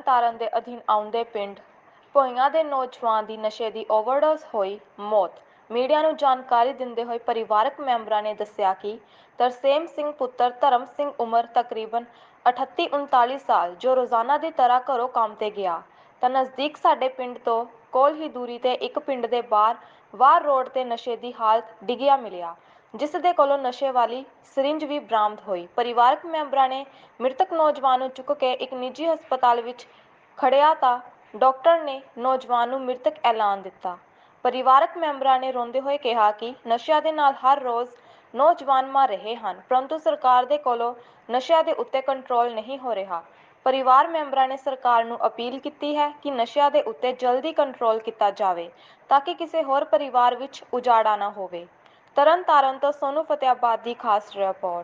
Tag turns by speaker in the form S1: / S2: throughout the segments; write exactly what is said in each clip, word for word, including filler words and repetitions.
S1: ਤਰਨਤਾਰਨ ਦੇ ਅਧੀਨ ਆਉਂਦੇ ਪਿੰਡ ਭੋਇਆਂ ਦੇ ਨੌਜਵਾਨ ਦੀ ਨਸ਼ੇ ਦੀ ਓਵਰਡੋਜ਼ ਹੋਈ ਮੌਤ। ਮੀਡੀਆ ਨੂੰ ਜਾਣਕਾਰੀ ਦਿੰਦੇ ਹੋਏ ਪਰਿਵਾਰਕ ਮੈਂਬਰਾਂ ਨੇ ਦੱਸਿਆ ਕਿ ਤਰਸੇਮ ਸਿੰਘ ਪੁੱਤਰ ਧਰਮ ਸਿੰਘ ਉਮਰ ਤਕਰੀਬਨ ਅਠੱਤੀ ਉਨਤਾਲੀ ਸਾਲ ਜੋ ਰੋਜ਼ਾਨਾ ਦੀ ਤਰ੍ਹਾਂ ਘਰੋਂ ਕੰਮ ਤੇ ਗਿਆ ਤਾਂ ਨਜ਼ਦੀਕ ਸਾਡੇ ਪਿੰਡ ਤੋਂ ਕੋਲ ਹੀ ਦੂਰੀ ਤੇ ਇੱਕ ਪਿੰਡ ਦੇ ਬਾਹਰ ਵਾਰ ਰੋਡ ਤੇ ਨਸ਼ੇ ਦੀ ਹਾਲਤ ਡਿੱਗਿਆ ਮਿਲਿਆ, ਜਿਸ ਦੇ ਕੋਲੋਂ ਨਸ਼ੇ ਵਾਲੀ ਸਿਰਿੰਜ ਵੀ ਬਰਾਮਦ ਹੋਈ। ਪਰਿਵਾਰਕ ਮੈਂਬਰਾਂ ਨੇ ਮ੍ਰਿਤਕ ਨੌਜਵਾਨ ਨੂੰ ਚੁੱਕ ਕੇ ਇੱਕ ਨਿੱਜੀ ਹਸਪਤਾਲ ਵਿੱਚ ਖੜਿਆ ਤਾਂ ਡਾਕਟਰ ਨੇ ਨੌਜਵਾਨ ਨੂੰ ਮ੍ਰਿਤਕ ਐਲਾਨ ਦਿੱਤਾ। ਪਰਿਵਾਰਕ ਮੈਂਬਰਾਂ ਨੇ ਰੋਂਦੇ ਹੋਏ ਕਿਹਾ ਕਿ ਨਸ਼ਿਆਂ ਦੇ ਨਾਲ ਹਰ ਰੋਜ਼ ਨੌਜਵਾਨ ਮਰ ਰਹੇ ਹਨ, ਪਰੰਤੂ ਸਰਕਾਰ ਦੇ ਕੋਲੋਂ ਨਸ਼ਿਆਂ ਦੇ ਉੱਤੇ ਕੰਟਰੋਲ ਨਹੀਂ ਹੋ ਰਿਹਾ। ਪਰਿਵਾਰ ਮੈਂਬਰਾਂ ਨੇ ਸਰਕਾਰ ਨੂੰ ਅਪੀਲ ਕੀਤੀ ਹੈ ਕਿ ਨਸ਼ਿਆਂ ਦੇ ਉੱਤੇ ਜਲਦੀ ਕੰਟਰੋਲ ਕੀਤਾ ਜਾਵੇ ਤਾਂ ਕਿ ਕਿਸੇ ਹੋਰ ਪਰਿਵਾਰ ਵਿੱਚ ਉਜਾੜਾ ਨਾ ਹੋਵੇ। ਤਰਨਤਾਰਨ ਤੋਂ ਸੋਨੂ ਫਤਿਆਬਾਦ ਦੀ ਖਾਸ ਰਿਪੋਰਟ।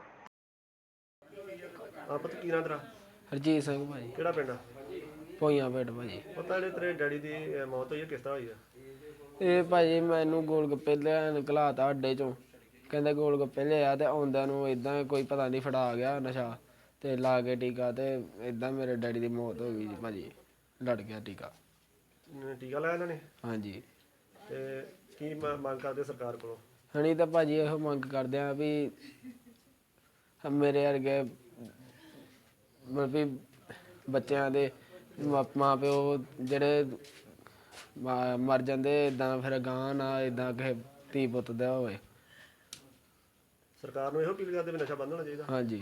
S2: ਆਪਤ ਕੀ ਨਾਂ ਤੇਰਾ?
S3: ਹਰਜੀਤ ਸਿੰਘ ਭਾਜੀ।
S2: ਕਿਹੜਾ ਪਿੰਡ ਆ?
S3: ਭੋਇਆਂ ਪਿੰਡ ਭਾਜੀ।
S2: ਪਤਾ ਜਿਹੜੇ ਤੇਰੇ ਡੈਡੀ ਦੀ ਅਹ, ਮੌਤ ਹੋਈ ਹੈ ਕਿਸ ਤਰ੍ਹਾਂ ਹੋਈ ਆ?
S3: ਇਹ ਭਾਜੀ ਮੈਨੂੰ ਗੋਲ ਗੱਪੇ ਲੈਣ ਘਲਾਤਾ ਅੱਡੇ ਚੋਂ, ਕਹਿੰਦੇ ਗੋਲ ਗੱਪੇ ਲਿਆ ਤੇ ਆਉਂਦਿਆਂ ਨੂੰ ਇਦਾਂ ਕੋਈ ਪਤਾ ਨਹੀਂ ਫੜਾ ਗਿਆ ਨਸ਼ਾ ਤੇ ਲਾ ਕੇ ਟੀਕਾ ਤੇ ਇਦਾਂ ਮੇਰੇ ਡੈਡੀ ਦੀ ਮੌਤ ਹੋ ਗਈ ਜੀ ਭਾਜੀ। ਲੜ ਗਿਆ ਟੀਕਾ।
S2: ਅਮ, ਟੀਕਾ ਲਾਇਆ ਇਹਨਾਂ ਨੇ?
S3: ਹਾਂਜੀ।
S2: ਤੇ ਕੀ ਮ- ਮੰਗ ਕਰਦੇ ਸਰਕਾਰ ਕੋਲੋਂ?
S3: ਹਣੀ ਤਾਂ ਭਾਜੀ ਇਹੋ ਮੰਗ ਕਰਦੇ ਆ ਵੀ ਮੇਰੇ ਵਰਗੇ ਮਤਲਬ ਵੀ ਬੱਚਿਆਂ ਦੇ ਮਾ- ਮਾਂ ਪਿਓ ਜਿਹੜੇ ਮਾ- ਮਰ ਜਾਂਦੇ ਇਦਾਂ ਫਿਰ ਗਾਂ ਨਾ ਇਦਾਂ ਕਿਸੇ ਧੀ ਪੁੱਤ ਦਾ ਹੋਵੇ।
S2: ਸਰਕਾਰ ਨੂੰ ਇਹੋ ਅਪੀਲ ਕਰਦੇ ਵੀ ਨਸ਼ਾ ਬੰਦ ਹੋਣਾ ਚਾਹੀਦਾ।
S3: ਹਾਂਜੀ।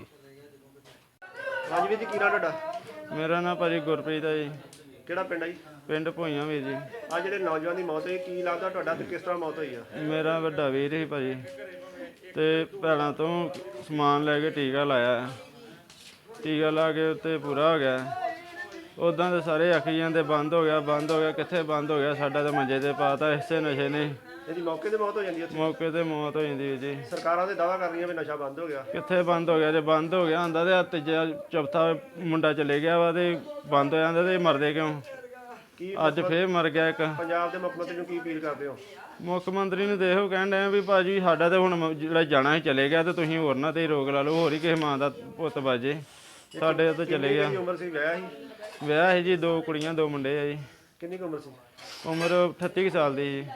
S2: ਹਾਂਜੀ ਵੀਰ ਜੀ, ਕੀ ਨਾਂ ਤੁਹਾਡਾ?
S4: ਮੇਰਾ ਨਾਂ ਭਾਜੀ ਗੁਰਪ੍ਰੀਤ ਹੈ ਜੀ।
S2: ਕਿਹੜਾ ਪਿੰਡ ਆ ਜੀ?
S4: ਪਿੰਡ ਭੋਇਆਂ ਵੀਰ ਜੀ।
S2: ਆ ਜਿਹੜੇ ਨੌਜਵਾਨ ਦੀ ਮੌਤ ਹੋਈ ਕੀ ਲੱਗਦਾ ਤੁਹਾਡਾ ਤੇ ਕਿਸ ਤਰ੍ਹਾਂ ਮੌਤ ਹੋਈ ਆ?
S4: ਮੇਰਾ ਵੱਡਾ ਵੀਰ ਸੀ ਭਾਜੀ ਤੇ ਭੈਣਾਂ ਤੋਂ ਸਮਾਨ ਲੈ ਕੇ ਟੀਕਾ ਲਾਇਆ। ਟੀਕਾ ਲਾ ਕੇ ਉੱਤੇ ਪੂਰਾ ਹੋ ਗਿਆ। ਉੱਦਾਂ ਦੇ ਸਾਰੇ ਆਖੀ ਜਾਂਦੇ ਬੰਦ ਹੋ ਗਿਆ ਬੰਦ ਹੋ ਗਿਆ, ਕਿੱਥੇ ਬੰਦ ਹੋ ਗਿਆ? ਸਾਡਾ ਤਾਂ ਮੰਜੇ ਤੇ ਪਾਤਾ ਇਸੇ ਨਸ਼ੇ ਨੇ।
S2: ਇਹਦੀ ਮੌਕੇ ਤੇ ਮੌਤ ਹੋ ਜਾਂਦੀ ਹੈ ਉੱਥੇ?
S4: ਮੌਕੇ ਤੇ ਮੌਤ ਹੋ ਜਾਂਦੀ ਵੀਰ ਜੀ।
S2: ਸਰਕਾਰਾਂ ਦੇ ਦਾਅਵਾ ਕਰ ਰਹੀਆਂ ਵੀ ਨਸ਼ਾ ਬੰਦ ਹੋ ਗਿਆ।
S4: ਕਿੱਥੇ ਬੰਦ ਹੋ ਗਿਆ? ਜੇ ਬੰਦ ਹੋ ਗਿਆ ਹੁੰਦਾ ਤੇ ਤੀਜਾ ਚੌਥਾ ਮੁੰਡਾ ਚਲੇ ਗਿਆ ਵਾ ਤੇ ਬੰਦ ਹੋ ਜਾਂਦਾ ਤੇ ਮਰਦੇ ਕਿਉਂ?
S2: ਕੀ
S4: ਅੱਜ ਫੇਰ ਮਰ ਗਿਆ ਇੱਕ।
S2: ਪੰਜਾਬ ਦੇ ਮੁੱਖ ਮੰਤਰੀ ਨੂੰ ਕੀ ਅਪੀਲ ਕਰਦੇ ਹੋ?
S4: ਮੁੱਖ ਮੰਤਰੀ ਨੂੰ ਦੇਖੋ ਕਹਿਣ ਡਏ ਵੀ ਭਾਜੀ ਸਾਡਾ ਤੇ ਹੁਣ ਜਿਹੜਾ ਜਾਣਾ ਹੀ ਚਲੇ ਗਿਆ ਤੇ ਤੁਸੀਂ ਹੋਰ ਨਾ ਤੇ ਰੋਕ ਲਾ ਲਓ, ਹੋਰ ਹੀ ਕਿਸੇ ਮਾਂ ਦਾ ਪੁੱਤ ਬਾਜੇ। ਸਾਡੇ ਤਾਂ ਚਲੇ ਗਿਆ।
S2: ਕਿੰਨੀ ਉਮਰ ਸੀ? ਵਿਆਹ ਸੀ?
S4: ਵਿਆਹ ਹੈ ਜੀ, ਦੋ ਕੁੜੀਆਂ ਦੋ ਮੁੰਡੇ ਆ ਜੀ।
S2: ਕਿੰਨੀ ਕੁ ਉਮਰ ਸੀ?
S4: ਉਮਰ ਅਠੱਤੀ ਕੁ ਸਾਲ ਦੀ ਜੀ।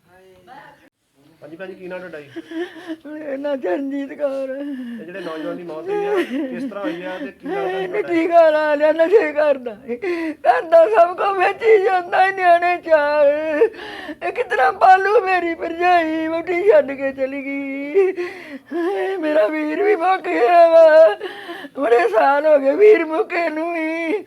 S2: ਹਾਂਜੀ ਭਾਜੀ, ਕੀ ਨਾਂ ਤੁਹਾਡਾ ਜੀ?
S5: ਮੇਰਾ ਨਾਂ ਚਰਨਜੀਤ ਕੌਰ।
S2: ਤੇ ਜਿਹੜੇ ਨੌਜਵਾਨ ਦੀ ਮੌਤ ਹੋਈ ਆ ਕਿਸ ਤਰ੍ਹਾਂ ਹੋਈ ਆ ਤੇ ਕੀ ਲੱਗਦਾ ਤੁਹਾਡਾ?
S5: ਟੀਕਾ ਲਾ ਲਿਆ, ਨਸ਼ੇ ਕਰਦਾ ਕਰਦਾ ਸਭ ਕੋ ਵੇਚੀ ਜਾਂਦਾ ਈ ਨਿਆਣੇ ਚਾਰ। ਇਹ ਕਿਤਨਾ ਪਾਲੂ ਮੇਰੀ ਭਰਜਾਈ ਵੋਟੀ ਛੱਡ ਕੇ ਚਲੀ ਗਈ। ਹਾਏ, ਮੇਰਾ ਵੀਰ ਵੀ ਮੁੱਕ ਗਿਆ ਵਾ। ਬੜੇ ਸਾਲ ਹੋ ਗਏ ਵੀਰ ਮੁੱਕੇ ਨੂੰ ਵੀ।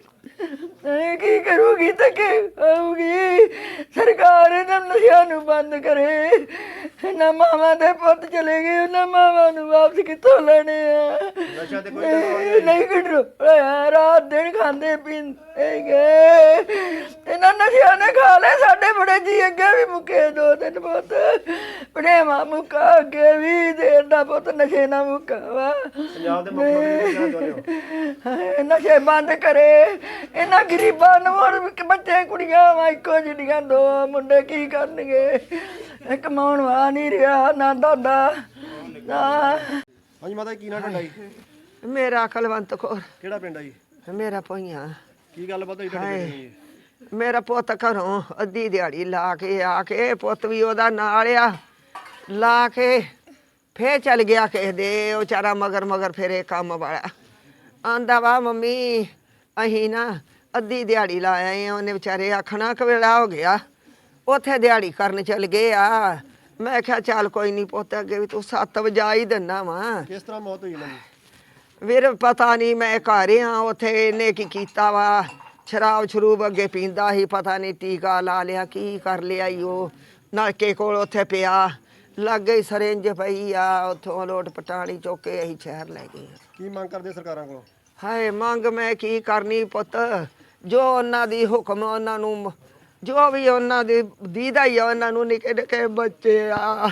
S5: ਇਹ ਕੀ ਕਰੂਗੀ ਤੇ ਕੀ ਆਊਗੀ? ਸਰਕਾਰ ਇਹਨਾਂ ਨਸ਼ਿਆਂ ਨੂੰ ਬੰਦ ਕਰੇ। ਇਹਨਾਂ ਮਾਵਾਂ ਦੇ ਪੁੱਤ ਚਲੇ ਗਏ, ਉਹਨਾਂ ਮਾਵਾਂ ਨੂੰ ਵਾਪਸ ਕਿੱਥੋਂ ਲੈਣੇ ਆ?
S2: ਨਸ਼ਾ ਤੇ ਕੋਈ ਕੰਟਰੋਲ
S5: ਨਹੀਂ ਕੰਟਰੋਲ ਹੋਇਆ। ਰਾਤ ਦਿਨ ਖਾਂਦੇ ਪੀਂਦੇ ਗਏ। ਇਹਨਾਂ ਨਸ਼ਿਆਂ ਨੇ ਖਾ ਲਏ ਸਾਡੇ ਬੜੇ ਜੀ। ਅੱਗੇ ਵੀ ਮੁੱਕੇ ਦੋ ਤਿੰਨ ਪੁੱਤ, ਭਣੇਵਾਂ ਮੁੱਕਾ, ਅੱਗੇ ਵੀ ਦੇਰ ਦਾ ਪੁੱਤ ਨਸ਼ੇ ਨਾਲ ਮੁੱਕਾ ਵਾ।
S2: ਪੰਜਾਬ ਦੇ ਮੁੱਖ ਮੰਤਰੀ ਨੂੰ ਕੀ ਕਹਿਣਾ ਚਾਹੁੰਦੇ ਹੋ?
S5: ਹਾਏ, ਨਸ਼ੇ ਬੰਦ ਕਰੇ। ਇਹਨਾਂ ਗਰੀਬਾਂ ਨੂੰ ਹੋਰ ਵੀ ਬੱਚੇ ਕੁੜੀਆਂ ਵਾ ਇੱਕੋ ਜਿਹੜੀਆਂ, ਦੋ ਮੁੰਡੇ ਕੀ ਕਰਨਗੇ? ਇਹ ਕਮਾਉਣ ਵਾਲਾ ਨਹੀਂ ਰਿਹਾ ਨਾ ਦਾਦਾ ਨਾ।
S2: ਹਾਂਜੀ ਮਾਤਾ ਜੀ, ਕੀ ਨਾਂ ਤੁਹਾਡਾ ਜੀ?
S5: ਮੇਰਾ ਕੁਲਵੰਤ ਕੌਰ।
S2: ਕਿਹੜਾ ਪਿੰਡ ਆ ਜੀ?
S5: ਮੇਰਾ ਭੋਇਆਂ।
S2: ਕੀ ਗੱਲਬਾਤ ਹੋਈ ਤੁਹਾਡੇ ਪਿੰਡ ਦੀ?
S5: ਮੇਰਾ ਪੁੱਤ ਘਰੋਂ ਅੱਧੀ ਦਿਹਾੜੀ ਲਾ ਕੇ ਆ ਕੇ, ਪੁੱਤ ਵੀ ਉਹਦਾ ਨਾਲ ਆ, ਲਾ ਕੇ ਫੇਰ ਚੱਲ ਗਿਆ ਕਿਸੇ ਦੇ। ਉਹ ਵਿਚਾਰਾ ਮਗਰ ਮਗਰ ਫੇਰੇ ਕੰਮ ਵਾਲਾ ਆਂਦਾ ਵਾ ਮੰਮੀ ਅਸੀਂ ਨਾ ਅੱਧੀ ਦਿਹਾੜੀ ਲਾ ਆਏ ਆ। ਉਹਨੇ ਵਿਚਾਰੇ ਆਖਣਾ ਕਿ ਵੇਲਾ ਹੋ ਗਿਆ, ਉੱਥੇ ਦਿਹਾੜੀ ਕਰਨ ਚੱਲ ਗਏ ਆ। ਮੈਂ ਕਿਹਾ ਚੱਲ ਕੋਈ ਨਹੀਂ ਪੁੱਤ, ਅੱਗੇ ਵੀ ਤੂੰ ਸੱਤ ਵਜਾ ਹੀ ਦਿੰਦਾ ਵਾ।
S2: ਕਿਸ ਤਰ੍ਹਾਂ ਮੌਤ ਹੋਈ ਇਹਨਾਂ ਦੀ?
S5: ਵੀਰ ਪਤਾ ਨਹੀਂ, ਮੈਂ ਘਰ ਆ। ਉੱਥੇ ਇਹਨੇ ਕੀ ਕੀਤਾ ਵਾ, ਸ਼ਰਾਬ ਸ਼ਰੂਬ ਅੱਗੇ ਪੀਂਦਾ ਸੀ, ਪਤਾ ਨਹੀਂ ਟੀਕਾ ਲਾ ਲਿਆ ਕੀ ਕਰ ਲਿਆ ਈ। ਉਹ ਨਲਕੇ ਕੋਲ ਉੱਥੇ ਪਿਆ, ਲਾਗੇ ਹੀ ਸਰਿੰਜ ਪਈ ਆ। ਉੱਥੋਂ ਲੋਟ ਪਟਾਣੀ ਚੁੱਕ ਕੇ ਅਸੀਂ ਸ਼ਹਿਰ ਲੈ ਗਏ।
S2: ਕੀ ਮੰਗ ਕਰਦੇ ਸਰਕਾਰਾਂ ਕੋਲੋਂ?
S5: ਹਾਏ, ਮੰਗ ਮੈਂ ਕੀ ਕਰਨੀ ਪੁੱਤ, ਜੋ ਉਹਨਾਂ ਦੀ ਹੁਕਮ ਉਹਨਾਂ ਨੂੰ, ਜੋ ਵੀ ਉਹਨਾਂ ਦੀ ਦੀਦਾ ਹੀ ਆ। ਉਹਨਾਂ ਨੂੰ ਨਿੱਕੇ ਨਿੱਕੇ ਬੱਚੇ ਆ।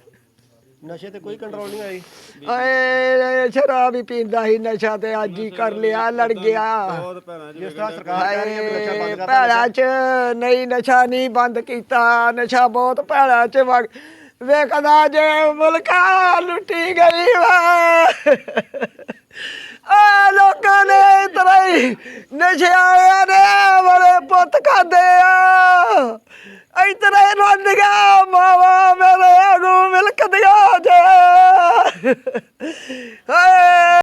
S2: ਨਸ਼ੇ ਤੇ ਕੋਈ ਕੰਟਰੋਲ ਨਹੀਂ ਆਈ?
S5: ਏ ਸ਼ਰਾਬ ਹੀ ਪੀਂਦਾ ਸੀ, ਨਸ਼ਾ ਤੇ ਅੱਜ ਹੀ ਕਰ ਲਿਆ, ਲੜ ਗਿਆ।
S2: ਜਿਸ ਤਰ੍ਹਾਂ ਸਰਕਾਰ ਕਹਿ ਰਹੀ ਹੈ ਵੀ ਨਸ਼ਾ ਬੰਦ ਕਰਤਾ।
S5: ਭੈੜਾ ਚ ਨਹੀਂ, ਨਸ਼ਾ ਨਹੀਂ ਬੰਦ ਕੀਤਾ। ਨਸ਼ਾ ਬਹੁਤ ਭੈੜਾ ਚ ਵਗ ਵੇਖਦਾ ਜੇ ਮੁਲਕਾਂ ਲੁੱਟੀ ਗਈ ਵਾ। ਆ ਲੋਕਾਂ ਨੇ ਇਸ ਤਰ੍ਹਾਂ ਹੀ ਨਸ਼ੇ ਵਾਲਿਆਂ ਨੇ ਬੜੇ ਪੁੱਤ ਖਾਦੇ ਆ ਇਤਨੇ ਰੋਂਦੀਆਂ ਮਾਵਾ ਮੇਰੇ ਨੂੰ ਮਿਲਕਦੀਆਂ ਜੇ ਹਾਏ